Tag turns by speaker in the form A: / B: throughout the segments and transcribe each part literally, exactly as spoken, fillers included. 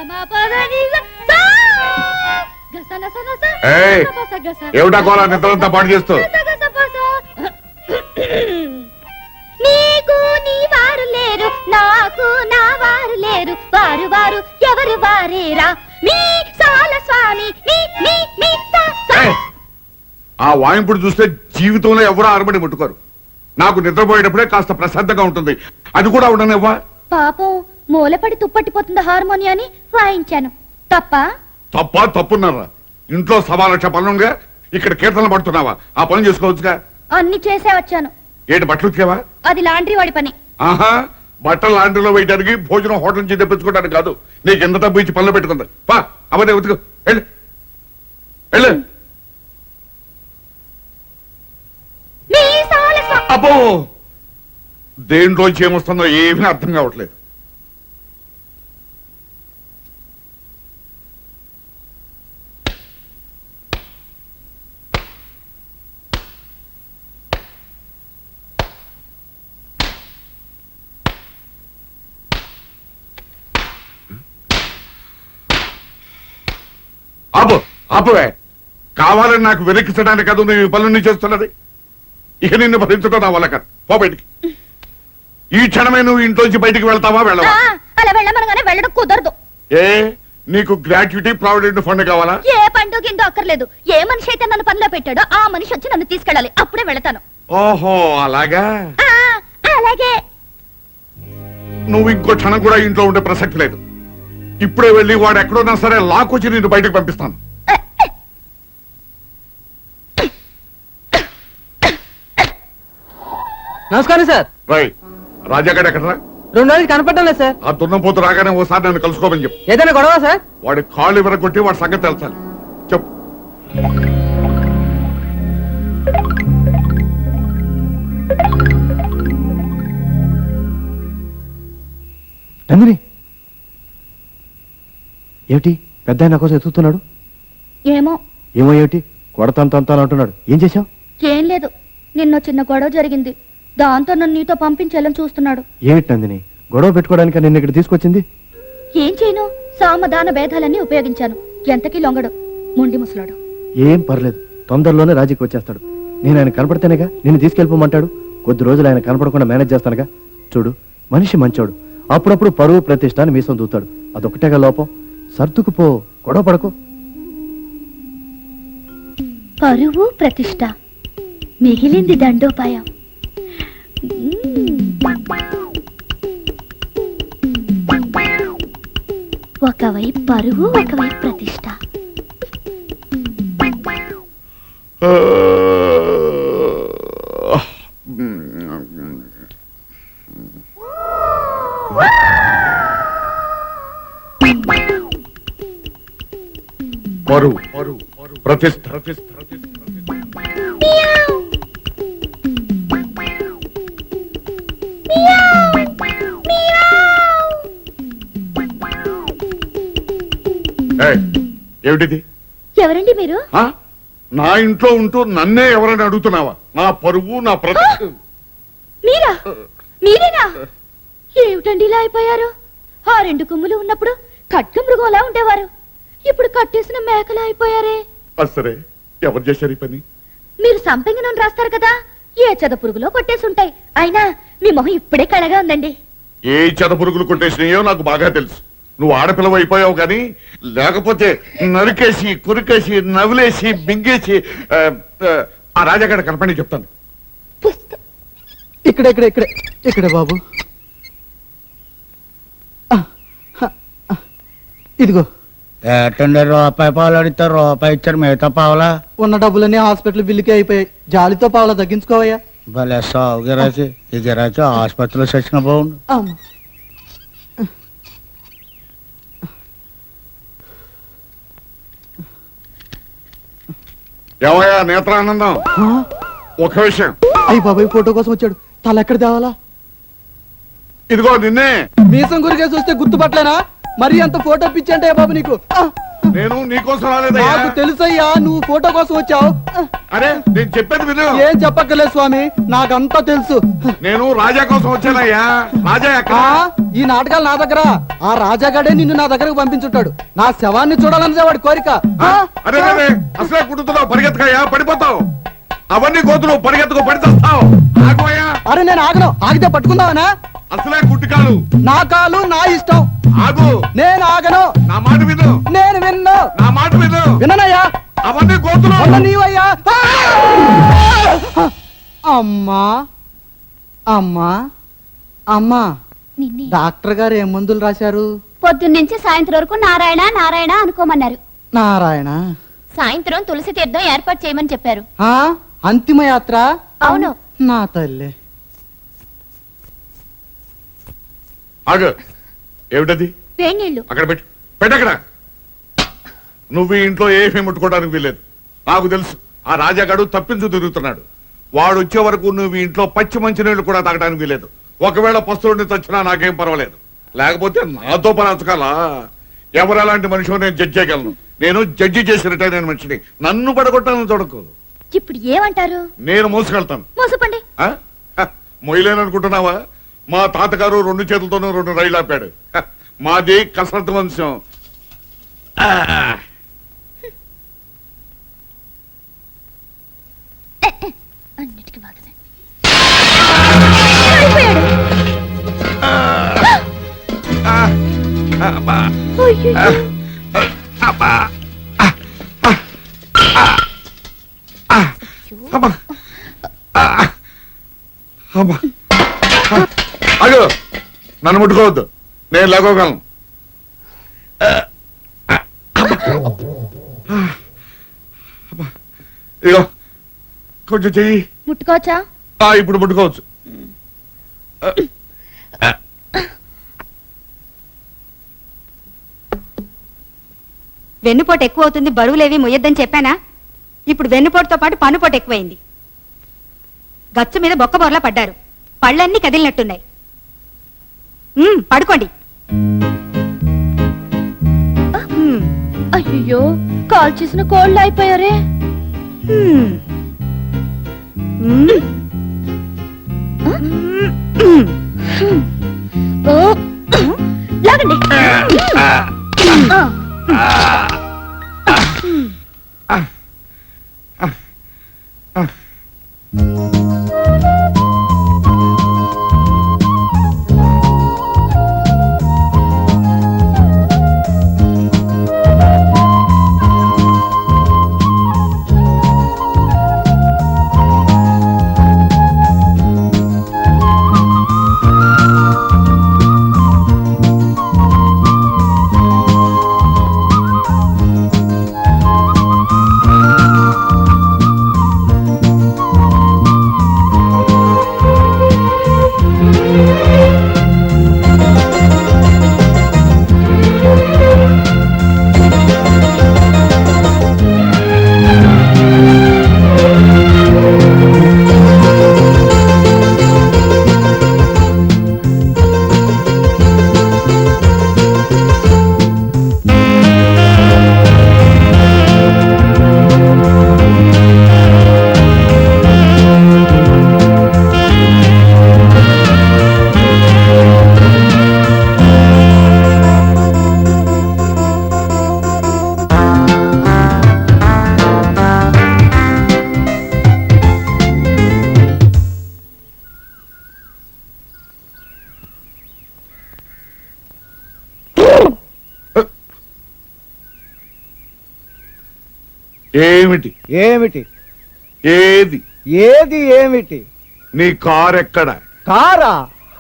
A: ఏమిటా కోలా నిద్రంతా పాటు చేస్తూ?
B: నీకు నీ వారు లేరు, నాకు నా వారు లేరు, వారు వారు ఎవరు వారేరా మీ సాల స్వామి.
A: ఆ వాయింపుడు చూస్తే జీవితంలో ఎవరో అరబడి ముట్టుకోరు. నాకు నిద్రపోయేటప్పుడే కాస్త ప్రశాంతంగా ఉంటుంది. అది కూడా ఉండనివ్వా?
B: పాపం మూలపడి తుప్పట్టిపోతుంది హార్మోనియాని వాయించాను. తప్ప
A: తప్ప తప్పున్నారా? ఇంట్లో సవా లక్ష పనులుగా ఇక్కడ కీర్తనలు పడుతున్నావా? ఆ పని చేసుకోవచ్చుగా.
B: అన్ని చేసే వచ్చాను.
A: ఏంటి బట్టలు ఉతికావా?
B: అది లాండ్రీ వాడి పని.
A: ఆహా, బట్టలు లాండ్రీలో వేయడానికి భోజనం హోటల్ నుంచి తెప్పించుకోవడానికి కాదు. నీకు ఎంత డబ్బు ఇచ్చి పనులు పెట్టుకుందా? పా అవన్నీ ఉతుకు. వెళ్ళు వెళ్ళు. అబ్బో, దేంట్లోంచి ఏమొస్తుందో ఏమీ అర్థం కావట్లేదు. ఆపు ఆపువే. కావాలని నాకు వెనక్కించడానికి కాదు నువ్వు ఈ పనులన్నీ చేస్తున్నది. ఇక నిన్ను భరించడం నా వల్ల కాదు. పో బయటికి. ఈ క్షణమే నువ్వు ఇంట్లోంచి బయటికి వెళ్తావా వెళ్ళవా?
B: అలా వెళ్ళమనగానే వెళ్ళడం కుదరదు.
A: ఏ నీకు గ్రాట్యుటీ ప్రావిడెంట్ ఫండ్ కావాలా?
B: ఏ పండు కింద అక్కర్లేదు. ఏ మనిషి అయితే నన్ను పనిలో పెట్టాడో ఆ మనిషి వచ్చి నన్ను తీసుకెళ్ళాలి. అప్పుడే వెళతాను.
A: ఓహో అలాగా.
B: అలాగే.
A: నువ్వు ఇంకో క్షణం కూడా ఇంట్లో ఉండే ప్రసక్తి లేదు. ఇప్పుడే వెళ్ళి వాడు ఎక్కడున్నా సరే లాక్కొచ్చి నిన్ను బయటకు పంపిస్తాను.
C: నమస్కారం సార్.
A: రై రాజాగాడు ఎక్కడరా?
C: రెండు రోజులు కనపడడం లేదు సార్.
A: ఆ దున్నపోతు రాగానే ఓసారి నన్ను కలుసుకోమని చెప్పు.
C: ఏదైనా గొడవ సార్?
A: వాడి కాళ్ళు విరగొట్టి వాడి సంగతి తెలుసాలి. చెప్పు.
D: నందిని ఏమిటి పెద్ద నా కోసం ఎత్తుతున్నాడు?
B: ఏమో
D: ఏమో ఏమిటి కొడతాను అంటున్నాడు. ఏం చేశావు?
B: ఏం లేదు, నిన్న చిన్న గొడవ జరిగింది. దాంతో నన్ను నీతో పంపించాలని చూస్తున్నాడు.
D: ఏమిటి నందిని గొడవ పెట్టుకోవడానికి నిన్ను ఇక్కడ తీసుకొచ్చింది?
B: ఏం చేయను, సామధాన భేదాలన్నీ ఉపయోగించాను. ఎంతకీ లొంగడు, మొండి ముసలాడు.
D: ఏం పర్లేదు, తొందరలోనే రాజీకి వచ్చేస్తాడు. నేను ఆయన కనపడితేనేగా నిన్ను తీసుకెళ్ళిపోమంటాడు. కొద్ది రోజులు ఆయన కనపడకుండా మేనేజ్ చేస్తానుగా. చూడు, మనిషి మంచోడు. అప్పుడప్పుడు పరువు ప్రతిష్ట అని మీసం దూతాడు. అదొకటేగా లోపం. సర్దుకుపో, గొడవ పడకు.
B: పరువు ప్రతిష్ట మిగిలింది దండోపాయం. ఒకవైపు పరువు, ఒకవైపు ప్రతిష్ట.
A: పరువు ప్రతిష్ట. ఏమిటిది?
B: ఎవరండి మీరు?
A: నా ఇంట్లో ఉంటూ నన్నే ఎవరైనా అడుగుతున్నావా? నా పరువు, నా ప్రతిష్ట.
B: మీరా? మీరేనా? ఏమిటండి ఇలా అయిపోయారు? ఆ రెండు కొమ్ములు ఉన్నప్పుడు ఖడ్గ మృగంలా ఉండేవారు. ఇప్పుడు కట్టేసిన మేకలా అయిపోయారే.
A: సరే, ఎవరు చేశారు ఈ పని?
B: మీరు సంపెంగ నూనె రాస్తారు కదా, ఏ చెద పురుగులో కొట్టేసి ఉంటాయి. అయినా మీ మొహం ఇప్పుడే కళగా ఉందండి.
A: ఏ చెద పురుగులు కొట్టేసినాయో నాకు బాగా తెలుసు. నువ్వు ఆడపిల్లవ అయిపోయావు కానీ లేకపోతే నరికేసి, కురికేసి, నవ్వులేసి, బింగేసి ఆ రాజాగాడ కనపడి చెప్తాను.
C: ఇక్కడ ఇక్కడ ఇక్కడ ఇక్కడ బాబు, ఇదిగో.
E: ఏటండి రూపాయి పావులు అడిగితే రూపాయి ఇచ్చారు, మిగతా పావులా?
C: ఉన్న డబ్బులన్నీ హాస్పిటల్ బిల్లుకే అయిపోయాయి. జాలితో పావులా తగ్గించుకోవయ్యా.
E: భలే సాగు గిరాచి. ఈ గిరాచి ఆసుపత్రిలో చచ్చిన బాగుండు.
A: ఏమయ్యా నేత్రానందం, ఒక విషయం.
C: అయ్యి బాబాయ్ ఫోటో కోసం వచ్చాడు. తల ఎక్కడ తేవాలా?
A: ఇదిగో నిన్నే.
C: మీసం గురికే చూస్తే గుర్తుపట్టలేనా? మరి అంత ఫోటో పిచ్చి అంటే బాబు నీకు?
A: నేను నీకోసం రాలేదయ్యా.
C: నాకు తెలుసయ్యా నువ్వు ఫోటో కోసం వచ్చావు.
A: అరే నేను చెప్పేది విను.
C: ఏం చెప్పక్కర్లేదు స్వామి, నాకంతా తెలుసు.
A: నేను రాజా కోసం వచ్చానయ్యా. రాజా ఎక్కడ?
C: ఆ, ఈ నాటకాలు నా దగ్గర. ఆ రాజాగాడే నిన్ను నా దగ్గరకు పంపించుంటాడు. నా శవాన్ని చూడాలన్నదే వాడి కోరిక.
A: ఆ, అరే అరే అసలే కుట్టుతున్నావు, పరిగెత్తకయ్యా, పడిపోతావు. అవన్నీ కోతులు పరిగెత్తుకు పడితేస్తావు. ఆగోయ్యా.
C: అరే నేను ఆగను, ఆగితే పట్టుకుందావనా?
A: అసలే కుట్టికాలు.
C: నా కాలు నా ఇష్టం.
A: ఆగు.
C: నేను ఆగను.
A: నా మాట విను.
C: నేను విన్ను.
A: నా మాట విను.
C: విననయ్యా.
A: అవన్నీ కోతులు.
C: అన్న నీవయ్యా. అమ్మా అమ్మా అమ్మా,
B: నిన్నే
C: డాక్టర్ గారు ఏం మందులు రాశారు?
B: పొద్దున్నుంచి సాయంత్రం వరకు నారాయణ నారాయణ అనుకోమన్నారు.
C: నారాయణ.
B: సాయంత్రం తులసి తీర్థం ఏర్పాటు చేయమని చెప్పారు.
C: ఆ అంతిమ యాత్ర.
B: అవును.
C: నా తల్లి.
A: ఆగు. ఏమిటది?
B: వేడి నీళ్లు.
A: అక్కడ పెట్టు. పెట్టక్కడ. నువ్వు ఈ ఇంట్లో ఏమీ ముట్టుకోవడానికి వీల్లేదు. నాకు తెలుసు ఆ రాజాగాడు తప్పించు తిరుగుతున్నాడు. వాడు వచ్చే వరకు నువ్వు ఈ ఇంట్లో పచ్చి మంచినీళ్ళు కూడా తాగడానికి వీలేదు. ఒకవేళ పస్తుడిని తెచ్చినా నాకేం పర్వాలేదు. లేకపోతే నాతో పని అంచకాలా? ఎవరు అలాంటి మనిషి నేను జడ్జి చేయగలను. నేను జడ్జి చేసి రిటైర్ అయిన మనిషిని. నన్ను పడగొట్టాలని చూడకు.
B: ఇప్పుడు ఏమంటారు?
A: నేను మోసుకెళ్తాను.
B: మోసపండి.
A: ఆ? హ, మొయ్యలేననుకుంటున్నావా? మా తాతగారు రెండు చేతులతోనూ రెండు రైలు ఆపాడు. హ, మాది కసరత్తు వంశం. ఆ.
B: అన్నిటికీ బాధనే. అయిపోయాడు.
A: ఆ. అబ్బా.
B: అయ్యయ్యో.
A: అబ్బా. అబ్బా. అబ్బా. అయ్యో నన్ను ముట్టుకోవద్దు, నేను లేకోగలను. ఇగో కొంచెం చెయ్యి.
B: ముట్టుకోవచ్చా?
A: ఆ, ఇప్పుడు ముట్టుకోవచ్చు.
F: వెన్నుపోటు ఎక్కువ అవుతుంది, బరువులేవి మొయ్యొద్దని చెప్పానా? ఇప్పుడు వెన్నుపోటుతో పాటు పన్నుపోటు ఎక్కువైంది. గచ్చు మీద బొక్క బొరలా పడ్డారు, పళ్ళన్నీ కదిలినట్టున్నాయి. ఉమ్, పడుకోండి. ఉమ్,
B: అయ్యో కాల్ చేసిన కోళ్ళు అయిపోయారే.
F: ఉమ్. ఉమ్. ఉమ్.
B: ఓ, లాగండి. ఆ.
A: ఏమిటి?
E: ఏమిటి?
A: ఏది?
E: ఏది ఏమిటి?
A: నీ కారు ఎక్కడ?
E: కారా?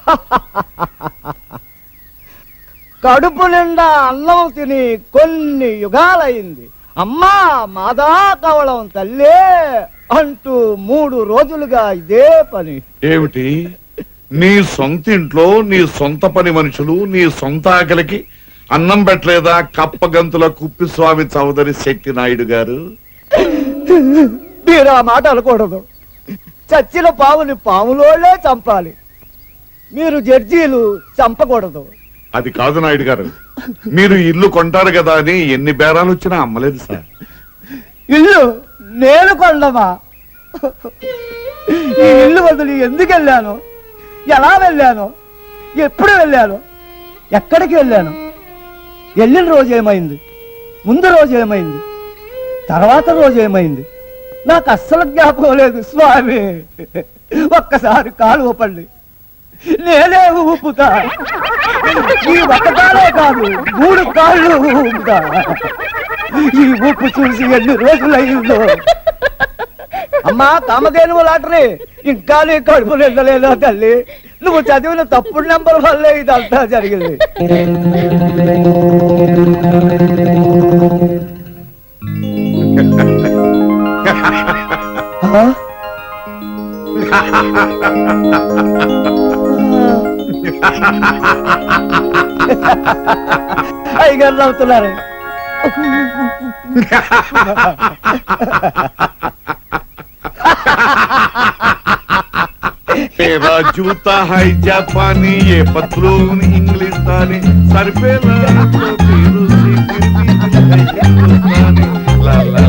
E: కడుపు నిండా అన్నం తిని కొన్ని యుగాలైంది. అమ్మా మాదా కవళం తల్లే అంటూ మూడు రోజులుగా ఇదే పని.
A: ఏమిటి? నీ సొంత ఇంట్లో నీ సొంత పని మనుషులు నీ సొంత ఆకలికి అన్నం పెట్టలేదా కప్పగంతుల కుప్పిస్వామి చౌదరి శక్తి నాయుడు గారు?
E: మీరు ఆ మాట అనకూడదు. చచ్చిన పావుని పాములోనే చంపాలి. మీరు జడ్జీలు చంపకూడదు.
A: అది కాదు నాయుడు గారు, మీరు ఇల్లు కొంటారు కదా అని ఎన్ని బేరాలు వచ్చినా అమ్మలేదు సార్.
G: ఇల్లు నేను కొండమా? ఈ ఇల్లు వదిలి ఎందుకు వెళ్ళాను, ఎలా వెళ్ళాను, ఎప్పుడు వెళ్ళాను, ఎక్కడికి వెళ్ళాను, వెళ్ళిన రోజు ఏమైంది, ముందు రోజు ఏమైంది, తర్వాత రోజు ఏమైంది, నాకు అస్సలు జ్ఞాపకం లేదు స్వామి. ఒక్కసారి కాలు ఊపండి, నేనే ఊపుతా. ఈ ఒక్క కాలే కాదు, మూడు కాళ్ళు ఊపుతా. ఈ ఊపు చూసి ఎన్ని రోజులయ్యిందో. అమ్మా కామధేనువు లాటరీ, ఇంకా నీ కడుపు నిండలేదా తల్లి? నువ్వు చదివిన తప్పుడు నెంబర్ వల్లే ఇదంతా జరిగింది. ఆ? అయ్యగారు నవ్వుతున్నారు.
A: तेरा जूता है जापानी, ये पतलून इंग्लिस्तानी, सर पे लाल तो फिर उसी फिर भी ला ला